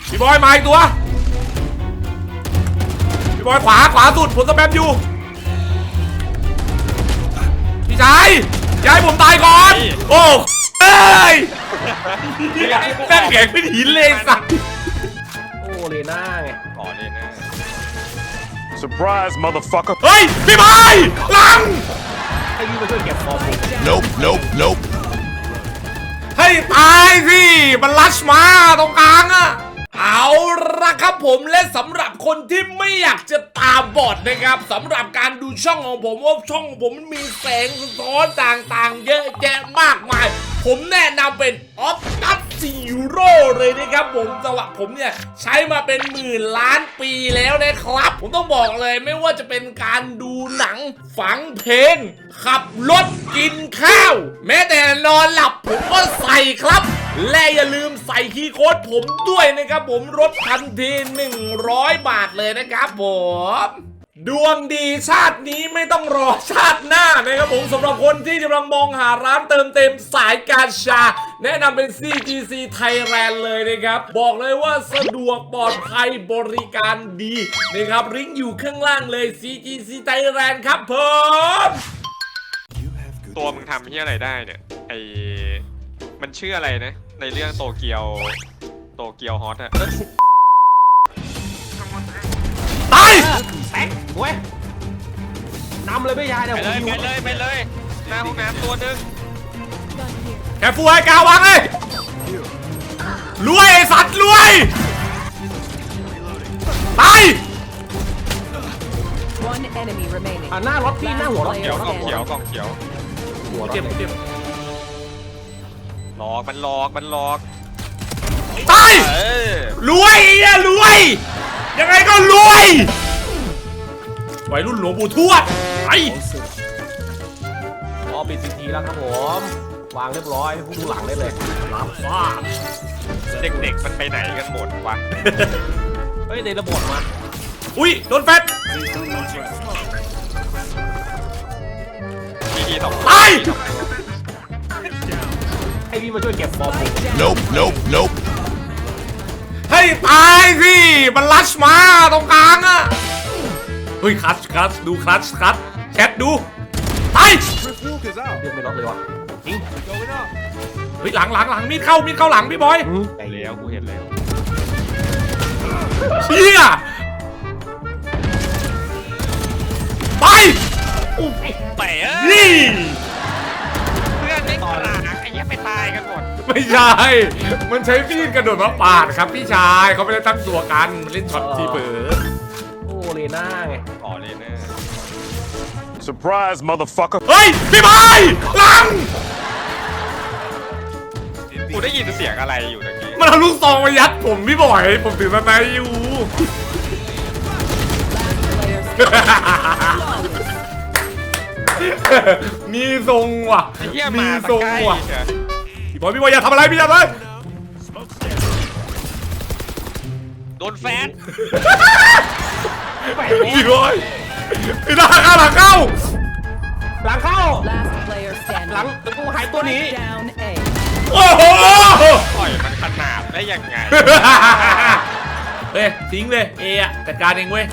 พี่บอยมาอีกตัวพี่บอยขวาสุดผมสแปมอยู่พี่ชายย้ายผมตายก่อนโอ้เอ้ยแม่งแข็งเป็นหินเลยสัตว์โอ้เลน่าไงอ๋อเลน่า Surprise, motherfucker. เฮ้ยพี่บอยหลังให้พี่มาช่วยเก็บฟอร์ม Nope. ให้ตายสิมันลัชมาตรงกลางอะเอาละครับผมและสำหรับคนที่ไม่อยากจะตาบอดนะครับสำหรับการดูช่องของผมว่าช่องของผมมันมีแสงสะท้อนต่างๆเยอะแยะมากมายผมแนะนำเป็นออฟตัสซีโร่เลยนะครับผมสำหรับผมเนี่ยใช้มาเป็นหมื่นล้านปีแล้วนะครับผมต้องบอกเลยไม่ว่าจะเป็นการดูหนังฟังเพลงขับรถกินข้าวแม้แต่นอนหลับผมก็ใส่ครับและอย่าลืมใส่คีย์โค้ดผมด้วยนะครับผมลดทันที100 บาทเลยนะครับผมดวงดีชาตินี้ไม่ต้องรอชาติหน้านะครับผมสำหรับคนที่กำลังมองหาร้านเติมเต็มสายการชาแนะนำเป็น CGC Thailand เลยนะครับบอกเลยว่าสะดวกปลอดภัยบริการดีนะครับลิงก์อยู่ข้างล่างเลย CGC Thailand ครับผมตัวมึงทำที่อะไรได้เนี่ยมันชื่ออะไรนะในเรื่องโตเกียวฮอตอะตายแตกเว้ยนำเลยพี่ยายเนี่ยไปเลยหน้าห้องน้ำตัวนึงแค่ฟูให้กาวางเลยรวยไอ้สัตว์รวยตายหน้ารถพี่หน้าหัวรถกล่องเขียวหัวเจ็บหลอกมันหลอกตายรวยอ่ะรวยยังไงก็รวยวัยรุ่นหลวงปู่ทวดไอ้ปิดซีทีแล้วครับผมวางเรียบร้อยผู้ดูหลังได้เลยรับทราบเด็กๆมันไปไหนกันหมดวะเฮ้ยเดนระบบมาอุ้ยโดนแฟตทีสองตายให้พี่มาช่วยเก็บฟอร์ม Nope. ให้ตายสิมันลัชมาตรงกลางอะเฮ้ยคัทดูคัทแชทดูตายเรียกไม่รอดเลยวะจริงเฮ้ยหลังมีดเข้าหลังพี่บอยไปแล้วกูเห็นแล้วเชี่ยไปไปนี่เพื่อนไม่ตายไอ้ยังไม่ตายกันหมดไม่ใช่มันใช้มีดกระโดดมาปาดครับพี่ชายเขาไม่ได้ตั้งตัวกันมันเล่นช็อตทีเปิดโอ้เลน่าไงอ๋อเลน่า Surprise, motherfucker. เฮ้ยพี่บอยหลังกูได้ยินเสียงอะไรอยู่ตะกี้มันเอาลูกซองมายัดผมพี่บอยผมถือมาอยู่มีทรงว่ะมีทรงว่ะพี่บอยอย่าทำอะไรพี่อย่าเลยโดนแฟนพี่บอยพี่หลังเข้าหลังเข้ากูหายตัวนี้โอ้โหปล่อยมันขนาดได้ยังไงเฮ้ยทิ้งเลยเอะจัดการเองเว้ย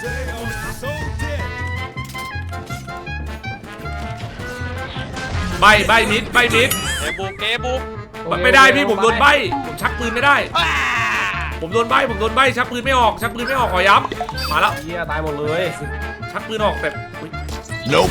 ใบนิดเอบุกไม่ได้พี่ผมโดนใบผมชักปืนไม่ได้ผมโดนใบชักปืนไม่ออกขอย้ำมาแล้วเฮียตายหมดเลยชักปืนออกแต่ Nope.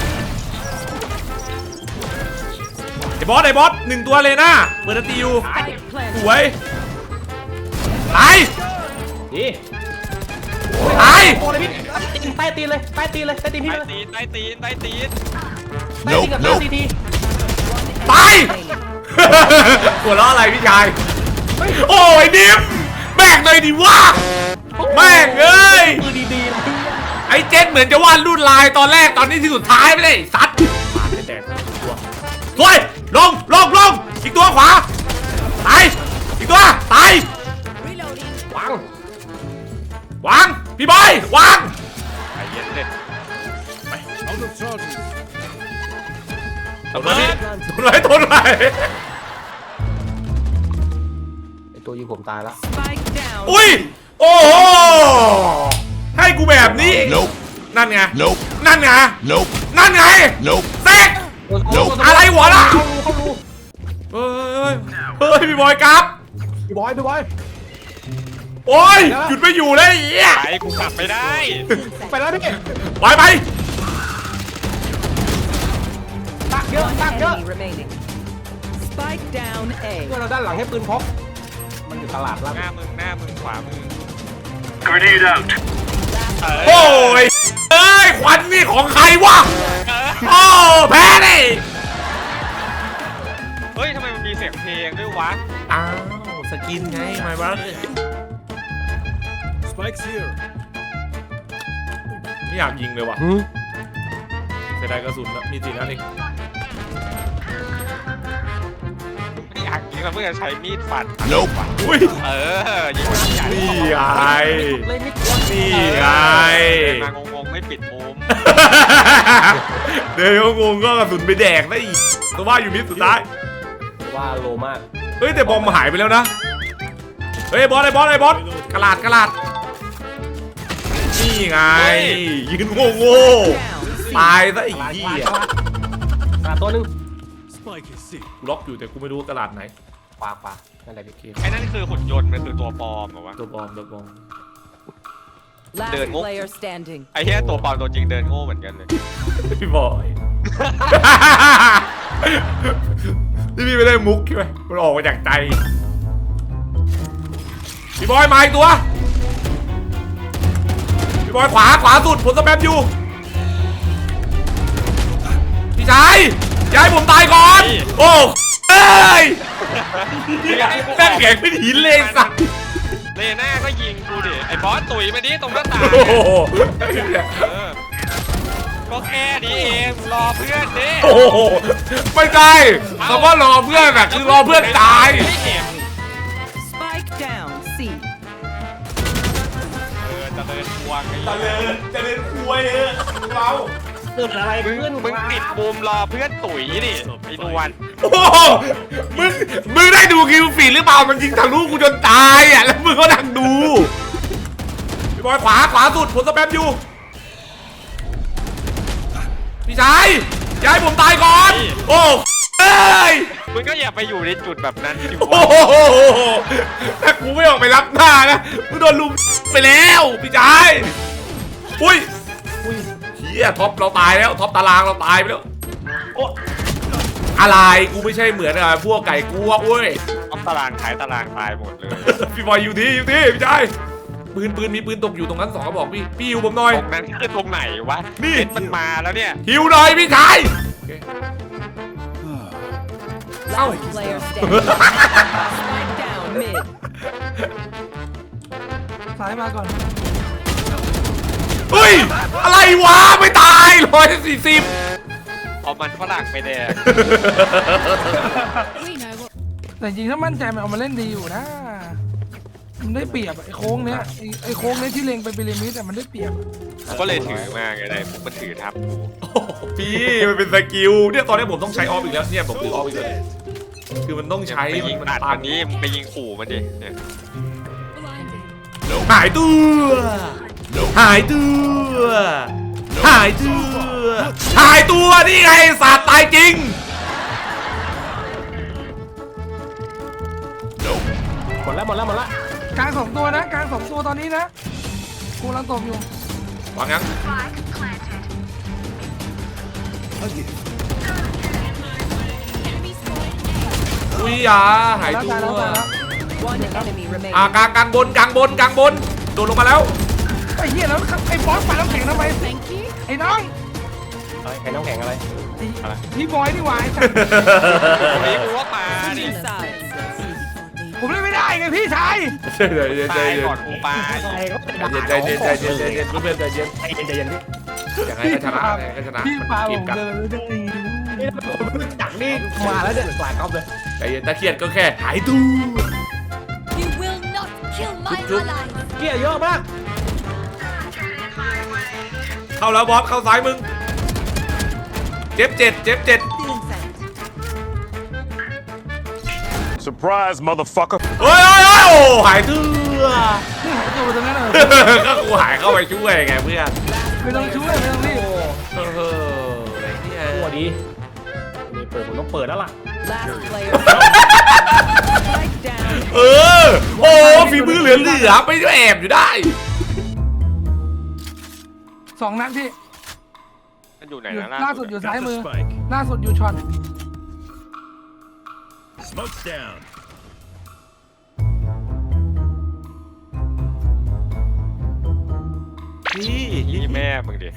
ไอ้บอส1ตัวเลยนะเปิดตีอยู่สวยตายดีตายใต้ตีนเลยใต้ตีนพี่เลยใต้ตีน Nope. ตายหัวเราะอะไรพี่ชายโอ้ยดิมแบกเลยดิว่าแม่งเอ้ยไอ้เจนเหมือนจะวาดรุ่นลายตอนแรกตอนนี้ที่สุดท้ายไม่ได้สัตว์แตกตัวสวยลงอีกตัวขวาตายอีกตัวตายวางพี่บอยวางไอ้เย็นเลยทนไว้ตัวยิงผมตายแล้ว Spike down. อุ้ยโอ้โหให้กูแบบนี้ Nope. นั่นไง Nope. นั่นไง Nope. นั่นไง Nope. เซ็กอะไรหัวล่ะเข้ารูเฮ้ยเฮ้ยพี่บอยครับพี่บอยโอ้ยหยุดไม่อยู่เลยไอ้เหี้ยไปกูกลับไม่ได้ไปแล้วพี่ไปไปตักเยอะ One ตักเยอะ enemy remaining. Spike down A. เพื่อนเราด้านหลังให้ปืนพกมันอยู่ตลาดแล้วหน้ามึงขวามือ Grenade out. โอ้ยเอ้ยควันนี่ของใครวะโอ้แพ้ดิเฮ้ยทำไมมันมีเสียงเพลงด้วยวะอ้าวสกินไงไม่บ้า Spike's here. ไม่อยากยิงเลยว่ะเสียดายกระสุนนะมี4 นัดเองไม่อยากยิงแล้วเพื่อจะใช้มีดฟัน Nope. อุ้ยยิงมันใหญ่นี่ไงเลยไม่นี่ไงเดินมางงๆไม่ปิดมุมเดี๋ยวงงก็กระสุนไปแดกได้อีกตัวว่าอยู่มิดสุดท้ายว่าโลมากเฮ้ยแต่บอมหายไปแล้วนะ เฮ้ยบอสไอ้บอสกระลาดนี่ไงยืนโง่ Down C. ตายซะอีกที่อ่ะตลาดตัวหนึง Spike is sick. กูล็อกอยู่แต่กูไม่รู้ว่ากระลาดไหนขวานั่นแหละพี่ไอ้นั่นคือหุ่นยนต์มันคือตัวปลอมเหรอวะตัวบอม Last Đợi ngốc. player standing. ไอ้เหี้ยตัวปลอมตัวจริงเดินโง่เหมือนกันเลยพี่บอยนี่พี่ไม่ได้มุกใช่ไหมมันออกมาจากใจพี่บอยมาอีกตัวพี่บอยขวาสุดผมสแปมอยู่พี่ชายย้ายผมตายก่อนโอ้เอ้ยแม่งแข็งเป็นหินเลยสัตว์เลน่าก็ยิงกูดิไอ้บอสตุ๋ยมาดิตรงหน้าต่างโอ้โหก็แค่นี้เองรอเพื่อนดิโอ้โหไม่ได้คำว่ารอเพื่อนอะคือรอเพื่อนตายไม่เห็น Spike down C. จะเดินทวงไอ้จะเดินคุยเราเกิดอะไรมึงขึ้นมึงปิดมุมรอเพื่อนตุ๋ยดิไอ้นวลโอ้โหมึงได้ดูคิวฟีดหรือเปล่ามันยิงทะลุกูจนตายอ่ะแล้วมึงก็นั่งดูพี่บอยขวาสุดผมสแปมอยู่พี่ชายย้ายผมตายก่อนโอ้เอ้ยมึงก็อย่าไปอยู่ในจุดแบบนั้นดิโอ้วะโหถ้ากูไม่ออกไปรับหน้านะมึงโดนลุมไปแล้วพี่ชายอุ้ยเฮียท็อปเราตายแล้วท็อปตารางเราตายไปแล้วโอ้อะไรกูไม่ใช่เหมือนอะพวกไก่กวกเว้ยเอาตารางขายตารางตายหมดเลยพี่บอยอยู่ที่พี่ชายปืนมีปืนตกอยู่ตรงนั้น2 กระบอกพี่ฮิวผมหน่อยตรงนั้นคือตรงไหนวะนี่เห็นมันมาแล้วเนี่ยฮิวหน่อยพี่ชาย Last player standing. Spike down mid. ซ้ายมาก่อนเฮ้ยอะไรวะไม่ตาย140 เอามันฝรั่งไปแดกแต่จริงๆถ้ามั่นใจมันเอามาเล่นดีอยู่นะ มันได้เปรียบอะไอ้โค้งเนี้ยไอ้โค้งเนี้ยที่เล็งไปพีระมิดแต่มันได้เปรียบอะก็เลยถือมาไงได้พวกมันถือทับกูพี่มันเป็นสกิลเนี่ยตอนนี้ผมต้องใช้ออฟอีกแล้วเนี่ยผมถือออฟอีกแล้วคือมันต้องใช้ไปยิงมันตัดตัมัน นนี้มึงไปยิงขู่มันดิเนี่ยหายตัวหายตัวหายตัวหายตัวนี่ไงสาดตายจริงหมดแล้วกลาง2 ตัวนะกลาง2 ตัวตอนนี้นะกูกำลังตบอยู่วางงั้นอุ้ยอ่ะหายแล้วตัตายแล้ววตายแล้ว One enemy remaining. กลางบนโดดลงมาแล้วไอ้เหี้ยแล้วไอ้บอสปาน้ำแข็งทำไมไอ้น้องไอ้น้ำแข็งอะไรพี่บอยนี่หว่าไอ้สัสตรงนี้กูว่ามาดิ Two sides. ผมเล่นไม่ได้ไงพี่ชายตายก่อนกูปาใจเย็นเพื่อนใจเย็นใจเย็นพี่อย่างไรก็ชนะอย่างไรก็ชนะพี่มันปาผเกมมกันเดินไม่ได้จักนี่มาแล้วเนี่ยหลายก๊อฟเลยใจเย็นตะเคียนก็แค่หายตัว You will not kill my ally. เกี้ยเยอะมากเข้าแล้วบอสเข้าซ้ายมึงเจ็บ Feeling sad. Surprise, motherfucker. เฮ้ยโอ้หายเถื่อนี่หายตัวไปตรงนั้นเลยก็กูหายเข้าไปช่วยไงเพื่อนไม่ต้องช่วยไม่ต้องรีบไอ้เหี้ยตัวดีนี่เปิดผมต้องเปิดแล้วล่ะ Last player. Spike down. เออโอ้ฝีมือเหลือไปแอบอยู่ได้ 2 นัดพี่มันอยู่ไหนอยู่นะล่าสุดอยู่ Got ซ้าย the มือ spike. ล่าสุดอยู่ช็อต Smoke's down. นี่แม่มึงดิ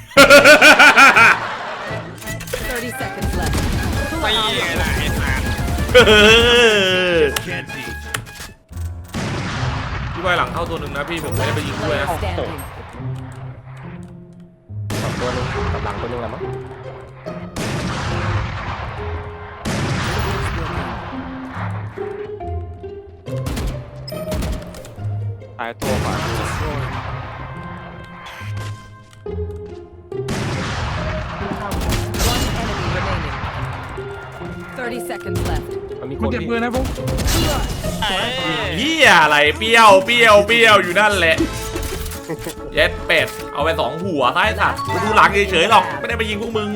30 seconds left. ไม่ไงล่ะไอ้สัตว์ Can't teach. พี่บอยหลังเข้าตัวหนึ่งนะพี่ผมไม่ได้ไปยิงด้วย Player นะ standing. สองตัวนึงกับหลังตัวนึงแหละมั้งตายตัวก่อน One enemy remaining. 30 seconds left. มันมีคมันนเก็บที่ปืนนะพวกเฮียอะไรเปรี้ยวอยู่นั่นแหละเย็ดเป็ดเอาไป2 หัวท้ายสัตว์กูดูหลังเฉยๆหรอกไม่ได้ไปยิงพวกมึง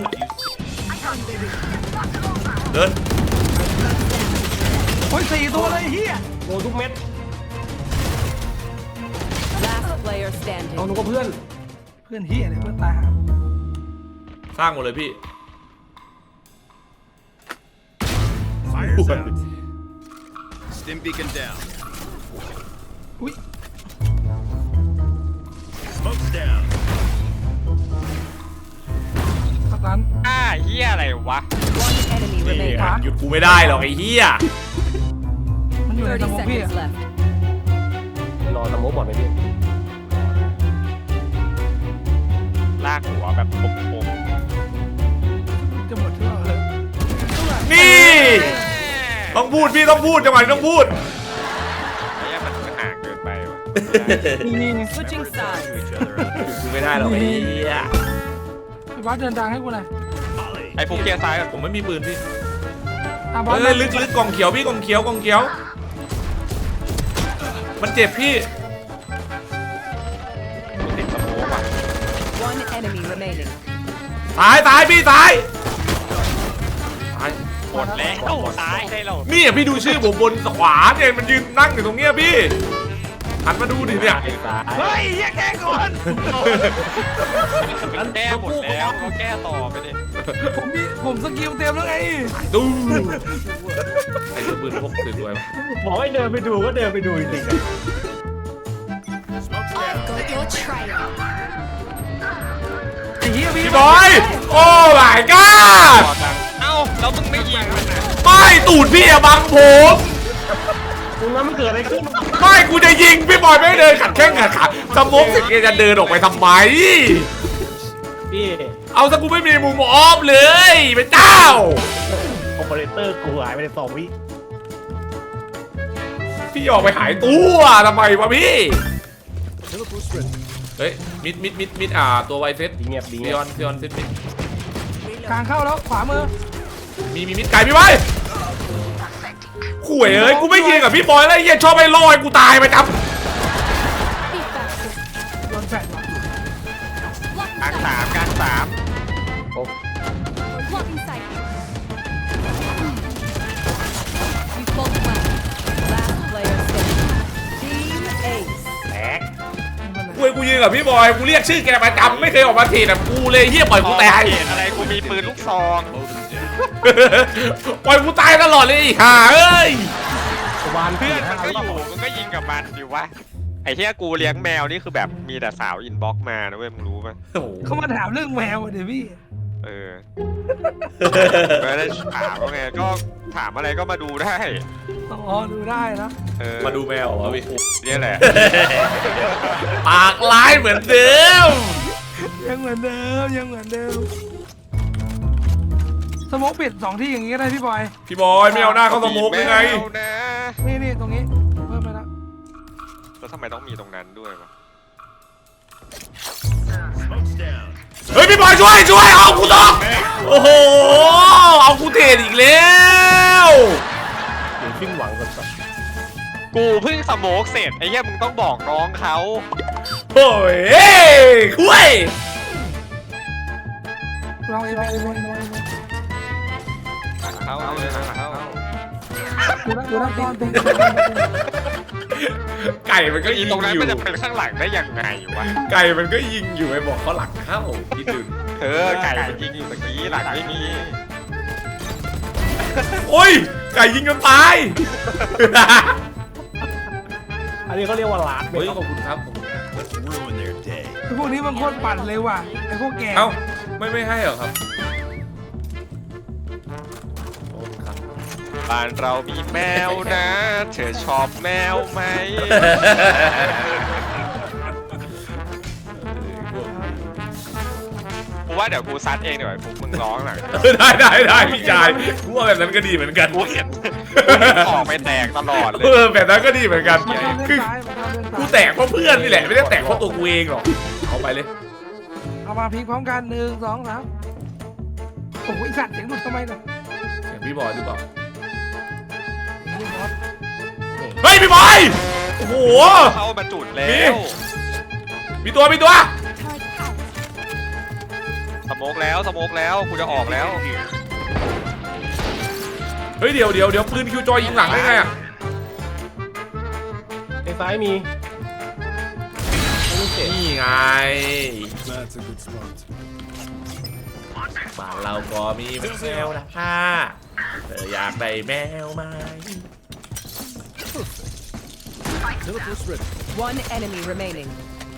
เดินโอ้ย4 ตัวเลยเฮียโดนทุกเม็ด Last player เอา standing. หนูก็เพื่อนเพื่อนเฮียเนี่ยเพื่อนตายหาสร้างหมดเลยพี่ Fire's out. Stim beacon down. อุ้ย Smoke's down. สตันเฮียอะไรวะ One enemy นี่ remaining. หยุดกูไม่ได้หรอกไอ้เฮียมันอยู่ในส 30 มองพี่ seconds left. รอสโมกบอดไหมพี่ลากหัวแบบปมจะหมดที่เราเลยนี่ต้องพูดพี่ต้องพูดจังหวะนี้ต้องพูดๆไอ้เหี้ยมันห่างเกินไปวะนี่ Switching sides. Each other out. กูไม่ได้หรอกไอ้เฮียพี่บอสเดินทางให้กูหน่อย Molly. ไอ้ฟุกเกียร์ซ้ายก่อนผมไม่มีปืนพี่อ่ะบอสเอ้ยลึกกล่องเขียวพี่กล่องเขียวมันเจ็บพี่ติดสโมกว่ะ One enemy remaining. ตายพี่ตายหมดแล้วตายได้แล้วนี่พี่ดูชื่อผมบนขวาเนี่ยมันยืนนั่งอยู่ตรงเนี้ยพี่หันมาดูดิเนี่ยไอ้สายเฮ้ยเฮียแกก่อนมันแก้หมดแล้วก็แก้ต่อไปดิผมสกิลเต็มแล้วไงดูไอ้ตัวปืนพกปืนด้วยบอกให้เดินไปดูก็เดินไปดูจริงๆ Smoke's down. Got your trail. ไอ้เฮียพี่พี่บอย โอ้ my god ต่อจังเอ้าแล้วมึงไม่ยิงมันนะไม่ตูดพี่อะบังผมตรงนั้นมันเกิดอะไรขึ้นไม่กูจะยิงพี่บอยไม่เดินขัดแข้งขัดขาสมองสิแกจะเดินออกไปทำไมพี่เอาซะกูไม่มีมุมออฟเลยเป็นเจ้าโอเปอเรเตอร์กูหายไปใน2 วิพี่ออกไปหายตัวทำไมวะพี่ เฮ้ยมิดตัวไวเซตดีเงียบดีซีเงียอบ อนเซตมิดกลางเข้าแล้วขวามือมีมิดไก่พี่ไว้ข่วยเอ้ยกูไม่ยิงกับพี่บอยแล้วไอ้เหี้ยชอบไปลอยกูตายไปจับ Be faster. โดนแฟดว่ะกลางสาม Blocking sight. We both went. Last player standing. Team Ace. แตกข่วยกูยิงกับพี่บอยกูเรียกชื่อแกประจำไม่เคยออกมาถีบแบบกูเลยเหี้ยปล่อยกูตายเหตุอะไรกูมีปืนลูกซองปล่อยกูตายตลอดเลยไอ้ห่าเอ้ยวานเพื่เพื่ออน นมันก็อยู่มึงก็ยิงกับมันดิวะไอ้เหี้ยกูเลี้ยงแมวนี่คือแบบมีแต่สาวอินบ็อกซ์มานะเว้ยมึงรู้ปะโอ้โหเขามาถามเรื่องแมวอะเดี๋ยวพี่เออไม่ได้ถามว่าไงก็ถามอะไรก็มาดูได้อ๋อดูได้นะเออมาดูแมวเหรอพี่เนี่ยแหละปากร้ายเหมือนเดิมยังเหมือนเดิมยังเหมือนเดิมสโมกปิด2 ที่อย่างงี้ก็ได้พี่บอยพี่บอยไม่เอาหน้าเข้าสโมกยังไงแมวนะนี่ตรงนี้เพิ่มไปแล้วแล้วทำไมต้องมีตรงนั้นด้วยวะ Smoke's down. เฮ้ยพี่บอยช่วยเอากูต่อโอ้โหเอากูเทรดอีกแล้วเดี๋ยวสิ้นหวังกันก่อนกูเพิ่งสโมกเสร็จไอ้เหี้ยมึงต้องบอกน้องเขาโอ้ยคุยลองเองลองเองลองเองเขาเอาเลยนะเขาดูนะตอนเป็นไก่มันก็ก็อียิงตรงนั้นอยู่มันจะเป็นข้างหลังได้ยังไงวะไก่มันก็ยิงอยู่ไอ้บอกเขาหลังเข้าคิดดูไก่มันยิงอยู่ตะกี้หลังไม่มีโอ้ยไก่ยิงจนตายอันนี้เขาเรียกว่าลาดเฮ้ยขอบคุณครับขอบคุณครับ Let's ruin their day. ไอ้พวกนี้มันโคตรปั่นเลยว่ะไอ้พวกแกเอ้าไม่ให้เหรอครับขอบคุณครับบ้านเรามีแมวนะ เธอชอบแมวไหม กูว่าเดี๋ยวกูซัดเองเดี๋ยวไอ้พวกมึงร้องหน่อยได้พี่ชายกูว่าแบบนั้นก็ดีเหมือนกันกูเห็นออกไปแตกตลอดเลยแบบนั้นก็ดีเหมือนกันมันต้องเล่คือนซ้ายมันต้องเล่นซ้ายกูแตกเพราะเพื่อนนี่แหละไม่ได้แตกเพราะตัวกูเองหรอกเอาไปเลยเอามาพลิกพร้อมกัน1 2 3โอ้โหไอ้สัตว์เสียงหลุดทำไมเนี่ยเห็นพี่บอยหรือเปล่าไอ้เหี้ยบอสเฮ้ยพี่บอยโอ้โหเข้ามาจุดแล้มีวมีตัว Turret out. สโมกแล้วกูจะออกแล้วเฮ้ยเดี๋ยวปืนคิวจอยยิงหลังได้ไงอ่ะในซ้ายมีไม่เสร็จนี่ไงบ้านเราก็มีแมวนะค่ะเธออยากได้แมวไหม One enemy remaining.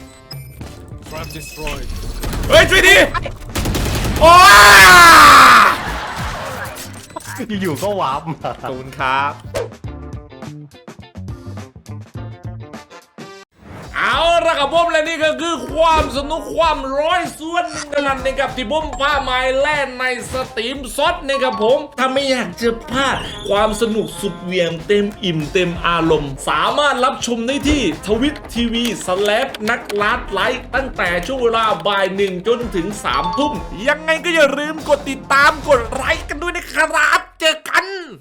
เฮ้ยช่วยดิโอ้ยอยู่ๆก็วาร์ปมาขอบคุณครับ เอาละครับผมและนี่ก็คือความสนุกความร้อยส่วนหนึ่งกันนะครับที่ผมพาไม้แล่นในสตรีมซดนะครับผมถ้าไม่อยากจะพลาดความสนุกสุดเหวี่ยงเต็มอิ่มเต็มอารมณ์ สามารถรับชมได้ที่ทวิตทีวีนักลัดไลฟ์ตั้งแต่ช่วงเวลาบ่าย1จนถึง3 ทุ่มยังไงก็อย่าลืมกดติดตามกดไลค์กันด้วยนะครับเจอกัน